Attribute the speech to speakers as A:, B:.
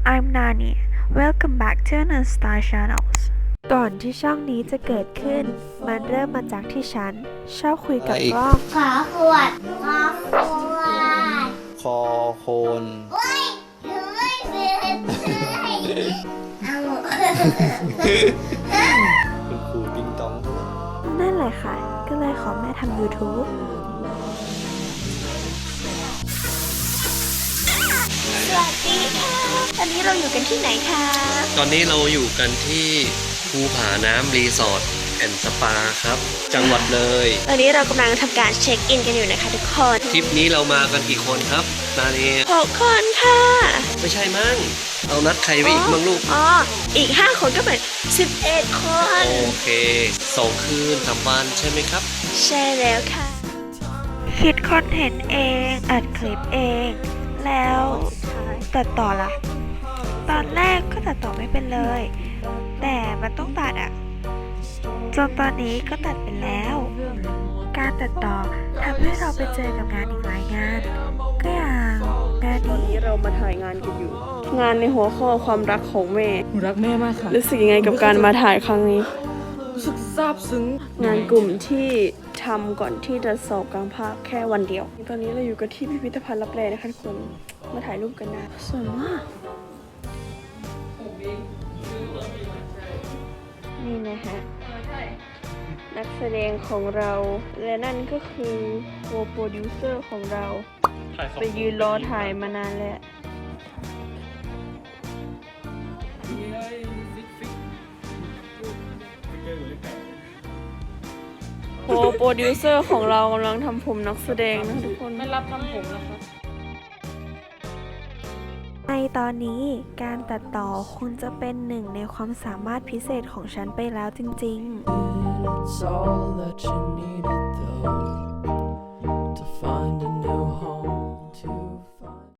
A: I'm Nani. Welcome back to Anastar Channels. ก่อนที่ช่องนี้จะเกิดขึ้น มันเริ่มมาจากที่ฉันชอบคุยกับกล้อง
B: ขอขวดขอขวด
C: คอโคน
B: โอ้ยหนูไม่เป็นเอา
C: คุณครูติงตอง
A: นั่นแหละค่ะ ก็เลยขอแม่ทำ YouTube
B: สวัสดีค่ะ ตอนนี้เราอยู่กันที่ไหนคะ
D: ตอนนี้เราอยู่กันที่ภูผาน้ำรีสอร์ทแอนด์สปาครับ จังหวัดเลย
B: ตอนนี้เรากำลังทำการเช็คอินกันอยู่นะคะทุกคน
D: ทริปนี้เรามากันกี่คนครับนานี
B: 6 คนค่ะ
D: ไม่ใช่มั้งเรานัดใครไว้อีกบ้างลูก
B: อ๋อ อีก 5 คนก็เป็น 11 คน
D: โอเค2 คืน3 วันใช่ไหมครับ
B: ใช่แล้วค่ะ
A: คิดคอนเทนต์เอง อัดคลิปเอง แล้วตัดต่อล่ะ ตอนแรกก็ตัดต่อไม่เป็นเลย แต่มันต้องตัดอะจนตอนนี้ก็ตัดเป็นแล้ว การตัดต่อทำให้เราไปเจอกับงานอีกหลายงาน ก็อย่างงาน
E: ตอน
A: นี้
E: นี้เรามาถ่ายงานกันอยู่ งานในหัวข้อความรักของแม่
F: หนูรักแม่มากค่ะ
E: รู้สึกยังไงกับการมาถ่ายครั้งนี้
F: รู้สึกซาบซึ้ง
E: งานกลุ่มที่ทำก่อนที่จะสอบกลางภาคแค่วันเดียว ตอนนี้เราอยู่กันที่พิพิธภัณฑ์ลับแลนะคะทุกคน มาถ่ายรูปกันนะสวยมาก นี่นะฮะ นักแสดงของเรา และนั่นก็คือโคโปรดิวเซอร์ของเรา ไปยืนรอถ่ายมานานแล้ว โโปรดิวเซอร์ของเรากำลังทำผมนักแสดงนะทุกคน
F: ไม่รับทำผมแล้วครับ
A: ในตอนนี้การตัดต่อคงจะเป็นหนึ่งในความสามารถพิเศษของฉันไปแล้วจริงๆ
G: It's all that you needed though.